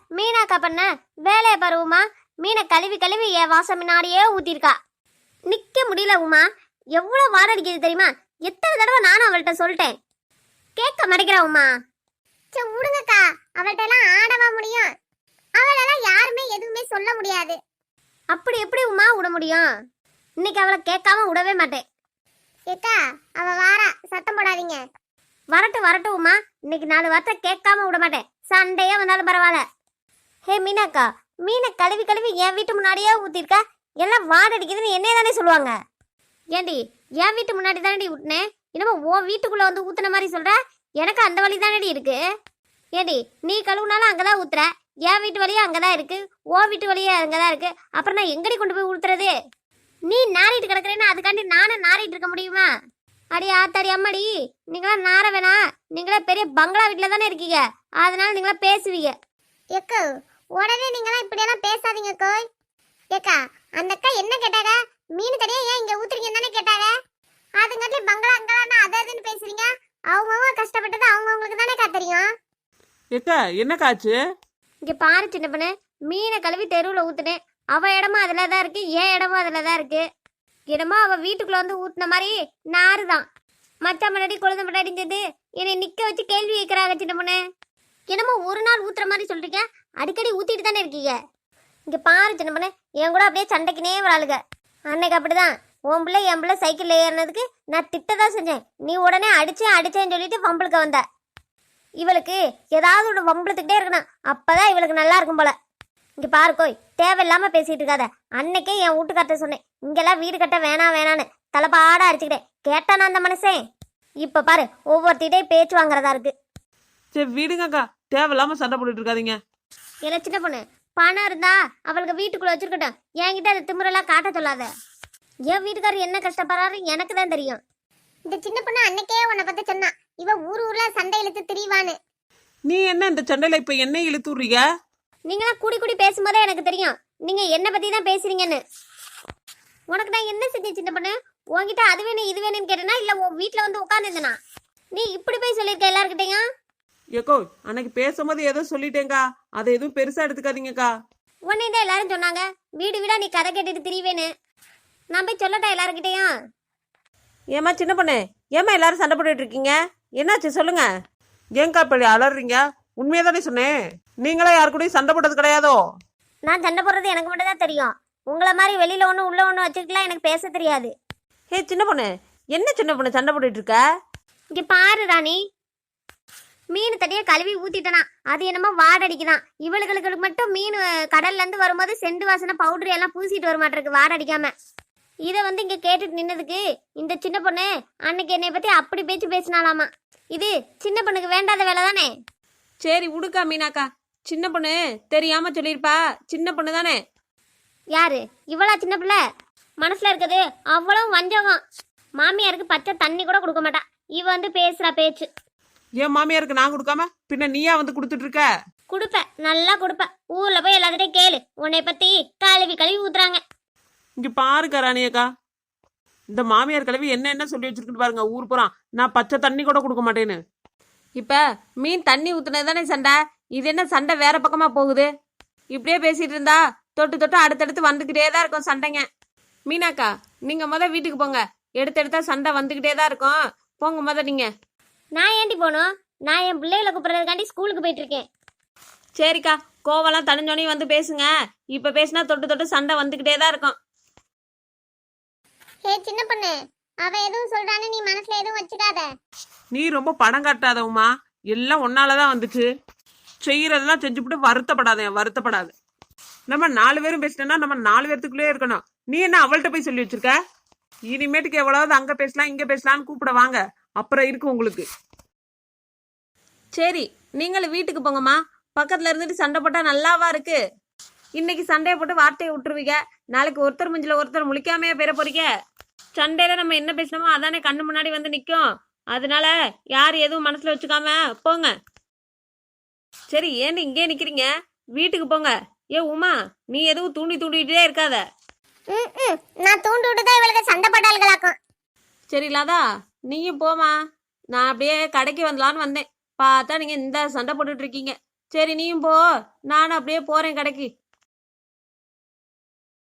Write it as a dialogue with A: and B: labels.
A: மீனாக்கா பண்ண வேலையை பாரு உமா. மீனை கழுவி கழுவி என் வாசம் முன்னாடியே ஊத்திருக்கா. நிக்க முடியல உமா. எவ்வளவு வாரம் அடிக்குது தெரியுமா? எத்தனை தடவை நானும் அவள்கிட்ட சொல்லிட்டேன், கேட்க மாட்டேங்கிறா உமா.
B: சரி விடுங்கக்கா, அவள்கிட்ட எல்லாம் ஆடவா முடியும்? அவளெல்லாம் யாருமே எதுவுமே சொல்ல முடியாது.
A: அப்படி எப்படி உமா விட முடியும்? இன்னைக்கு அவளை கேட்காம விடவே மாட்டேன்.
B: ஏக்கா அவ வாரா, சத்தம் போடாதீங்க.
A: வரட்டும் வரட்டும் உமா, இன்னைக்கு 4 வார்த்தை கேட்காம விட மாட்டேன். சண்டையே வந்தாலும் பரவாயில்ல. ஹே மீனாக்கா, மீனை கழுவி கழுவி என் வீட்டு முன்னாடியே ஊத்திருக்க. எல்லாம் வாட அடிக்குதுன்னு என்னைய தானே சொல்லுவாங்க. ஏண்டி, என் வீட்டு முன்னாடி தானடி ஊட்டினேன், என்னமோ உன் வீட்டுக்குள்ள வந்து ஊத்துன மாதிரி சொல்ற. எனக்கு அந்த வழி தானடி இருக்கு. ஏண்டி, நீ கழுவுனாலும் அங்கதான் ஊத்துற, என் வீட்டு வழியா அங்கதான் இருக்கு, உன் வீட்டு வழியா அங்கதான் இருக்கு. அப்புறம் நான் எங்கடி கொண்டு போய் ஊத்துறது? நீ நாரிட்டு கிடக்குறேன்னு அதுக்காண்டி நானும் நாரிட்டு இருக்க முடியுமா? அடி ஆத்தாடி அம்மாடி, நீங்களாம் நார வேணா. நீங்களா பெரிய பங்களா வீட்டுல தானே இருக்கீங்க, அதனால நீங்களா பேசுவீங்க.
B: ஏக்கா உடனே நீங்களாம் இப்படியெல்லாம் பேசாதீங்க கோய். ஏக்கா அந்த அக்கா என்ன கேட்டாங்க? மீன் கடையா ஏன் இங்க ஊத்துறீங்கன்னு தானே கேட்டாங்க. அதுங்காட்டி பங்களா அங்கலான்னு அதுன்னு பேசுறீங்க. அவங்கவுங்க கஷ்டப்பட்டது அவங்கவுங்களுக்கு தானே தெரியும்.
C: ஏக்கா என்ன காச்சு?
A: இங்க பாரு சின்ன பொண்ணு, மீனை கழுவி தெருவில் ஊத்துனேன். அவ இடமும் அதுல தான் இருக்கு, என் இடமும் அதுல தான் இருக்கு. என்னமோ அவ வீட்டுக்குள்ள வந்து ஊத்துன மாதிரி நாறுதான். மச்ச முன்னாடி குழந்தை முன்னாடி சேர்ந்து என்னை நிக்க வச்சு கேள்வி கேட்கறாங்க சின்ன பொண்ணு. என்னமோ ஒரு நாள் ஊத்துற மாதிரி சொல்றீங்க, அடிக்கடி ஊத்திட்டு தானே இருக்கீங்க. இங்க பாரு சின்ன பொண்ணு, என் கூட அப்படியே சண்டைக்குனே வராளுங்க. அன்னைக்கு அப்படிதான் உன் பிள்ளை என் பிள்ளை சைக்கிள்ல ஏறினதுக்கு நான் திட்டதான் செஞ்சேன். நீ உடனே அடிச்சேன்னு சொல்லிட்டு வம்பளுக்க வந்த. இவளுக்கு ஏதாவது ஒன்று வம்பளத்துக்கிட்டே இருக்கணும், அப்பதான் இவளுக்கு நல்லா இருக்கும் போல. இங்க பாரு கோய், தேவையில்லாம பேசிட்டு இருக்காத. அன்னைக்கே என் வீட்டுக்கார்ட்ட சொன்னேன், இங்கெல்லாம் வீடு கட்ட வேணான்னு தலைப்பாடா அடிச்சுக்கிட்டேன். கேட்டானா அந்த மனசே? இப்ப பாரு, ஒவ்வொருத்திட்டே பேச்சு வாங்குறதா இருக்கு.
C: சரி விடுங்கக்கா, தேவையில்லாம சண்டை போட்டுட்டு இருக்காதீங்க.
A: இல்ல சின்ன பொண்ணு, பணம் இருந்தா அவளுக்கு வீட்டுக்குள்ள வச்சிருக்கட்டும், என்கிட்ட அது திமிரெல்லாம் காட்ட சொல்லாத. என் வீட்டுக்காரர் என்ன கஷ்டப்படுறாரு எனக்கு தான் தெரியும்.
B: இந்த சின்ன பொண்ணு அன்னைக்கே உன்னை பத்தி சொன்னா, இவ ஊர்ல சண்டை இழுத்து திரிவான்னு.
C: நீ என்ன இந்த சண்டையில இப்ப என்ன இழுத்து விடுறீங்க?
A: நீங்களாம் கூடி கூடி பேசும்போதே எனக்கு தெரியும் நீங்க என்ன பத்தி தான் பேசுறீங்கன்னு. உனக்கு நான் என்ன செஞ்சேன் சின்ன பொண்ணு? உன்கிட்ட அது வேணும் இது வேணும்னு கேட்டேனா, இல்ல உன் வீட்டுல வந்து உட்காந்துருந்தனா? நீ இப்படி போய் சொல்லியிருக்க எல்லாருக்கிட்டையும்.
C: ஏக்கோ அன்னைக்கு பேசும்போது ஏதோ சொல்லிட்டேங்கா, அதை எதுவும் பெருசா எடுத்துக்காதீங்கக்கா.
A: உன்னை தான் எல்லாரும் சொன்னாங்க, வீடு வீடா நீ கதை கேட்டுட்டு திரிவேன்னு. நான் போய் சொல்லட்டா எல்லாருக்கிட்டையும்?
C: ஏமா சின்ன பொண்ணு, ஏமா எல்லாரும் சண்டை போட்டுட்டு இருக்கீங்க? என்னாச்சு சொல்லுங்க. ஏங்கா இப்படி அலறீங்க? உண்மையா தானே சொன்னேன். நீங்களா யாரு கூடயும் சண்டை போட்டது கிடையாதோ?
A: நான் சண்டை போடுறது எனக்கு மட்டும் தான் தெரியும். உங்களை மாதிரி வெளியில ஒன்று உள்ள ஒன்று வச்சுக்கலாம் எனக்கு பேச தெரியாது.
C: ஹே சின்ன பொண்ணு, என்ன சின்ன பொண்ணு சண்டை போட்டுட்டு இருக்க?
A: இங்க பாரு ராணி, மீன் தட்டியா கழுவி ஊத்திட்டனா, அது என்னமோ வாடடிக்குதான். இவளுகளுக்கு மட்டும் மீன் கடல்ல இருந்து வரும்போது செண்டு வாசனை பவுடர் எல்லாம் பூசிட்டு வர மாட்டிருக்கு வாடடிக்காம. இதை வந்து இங்க கேட்டுட்டு நின்னதுக்கு இந்த சின்ன பொண்ணு அன்னைக்கு என்னை பத்தி அப்படி பேச்சு பேசினாலாமா. இது சின்ன பொண்ணுக்கு வேண்டாத வேலை தானே.
C: சரி விடுக்கா மீனாக்கா, சின்ன பொண்ணு தெரியாம சொல்லியிருப்பா, சின்ன பொண்ணு தானே.
A: யாரு இவளா சின்ன பிள்ளை? மனசுல இருக்குது அவ்வளவு வஞ்சகம். மாமியாருக்கு பச்சை தண்ணி கூட கொடுக்க மாட்டா, இவ வந்து பேசுறா பேச்சு.
C: என் மாமியாருக்கு நான் கொடுக்காம பின்ன நீயா வந்து கொடுத்துட்டு இருக்க?
A: கொடுப்பேன், நல்லா கொடுப்பேன். ஊர்ல போய் எல்லாத்திட்டையும் கேளு, உன்னை பத்தி கழுவி கழுவி ஊத்துறாங்க.
C: இங்க பாருக்கா ராணியக்கா, இந்த மாமியார் கிழவி என்ன சொல்லி வச்சிருக்குன்னு பாருங்க. ஊர் போறான் நான் பச்சை தண்ணி கூட கொடுக்க மாட்டேன்னு. இப்ப மீன் தண்ணி ஊத்துனது தானே சண்டை, இது என்ன சண்டை வேற பக்கமா போகுது? இப்படியே பேசிட்டு இருந்தா தொட்டு தொட்டு அடுத்தடுத்து வந்துகிட்டே தான் இருக்கும் சண்டைங்க. மீனாக்கா நீங்க வீட்டுக்கு போங்க, எடுத்தெடுத்தா சண்டை வந்துகிட்டே தான் இருக்கும். போங்க நீங்க.
A: நான் ஏண்டி போகணும்? நான் என் பிள்ளைகளை கூப்பிடுறதுக்காண்டி ஸ்கூலுக்கு போயிட்டு இருக்கேன்.
C: சரிக்கா, கோவெல்லாம் தனிஞ்சோனையும் வந்து பேசுங்க. இப்ப பேசினா தொட்டு தொட்டு சண்டை வந்துகிட்டே தான் இருக்கும்.
B: ஹே சின்ன பொண்ணு, அவ எதுவும் சொல்றான்னு நீ மனசுல எதுவும் வச்சுக்காத.
C: நீ ரொம்ப படம் காட்டாதவுமா, எல்லாம் ஒன்னாலதான் வந்துச்சு. செய்யறதெல்லாம் செஞ்சுவிட்டு வருத்தப்படாத. நம்ம 4 பேரும் பேசிட்டோம்னா நம்ம 4 பேர்த்துக்குள்ளே இருக்கணும். நீ என்ன அவள்கிட்ட போய் சொல்லி வச்சிருக்க? இனிமேட்டுக்கு எவ்வளவு அங்க பேசலாம் இங்க பேசலாம்னு கூப்பிட வாங்க, அப்புறம் இருக்கு உங்களுக்கு. சரி நீங்களும் வீட்டுக்கு போங்கம்மா. பக்கத்துல இருந்துட்டு சண்டை போட்டா நல்லாவா இருக்கு? இன்னைக்கு சண்டையை போட்டு வார்த்தையை விட்டுருவீங்க, நாளைக்கு ஒருத்தர் முஞ்சில ஒருத்தர் முழிக்காமையே பெற போறீங்க. சண்டையில நம்ம என்ன பேசணுமோ அதானே கண்ணு முன்னாடி வந்து நிற்கும். அதனால யார் எதுவும் மனசுல வச்சுக்காம போங்க. சரி ஏன்னு இங்கே நிக்கிறீங்க, வீட்டுக்கு போங்க. ஏ உமா, நீ எதுவும் தூண்டிட்டே இருக்காத.
B: நான் தூண்டு விட்டுதான் இவளுக்கு சண்டை போட்டாள்களாக்கும்.
C: சரி லாதா, நீயும் போமா. நான் அப்படியே கடைக்கு வரலான்னு வந்தேன், பார்த்தா நீங்க இந்த சண்டை போட்டுட்டு இருக்கீங்க. சரி நீயும் போ, நானும் அப்படியே போறேன் கடைக்கு.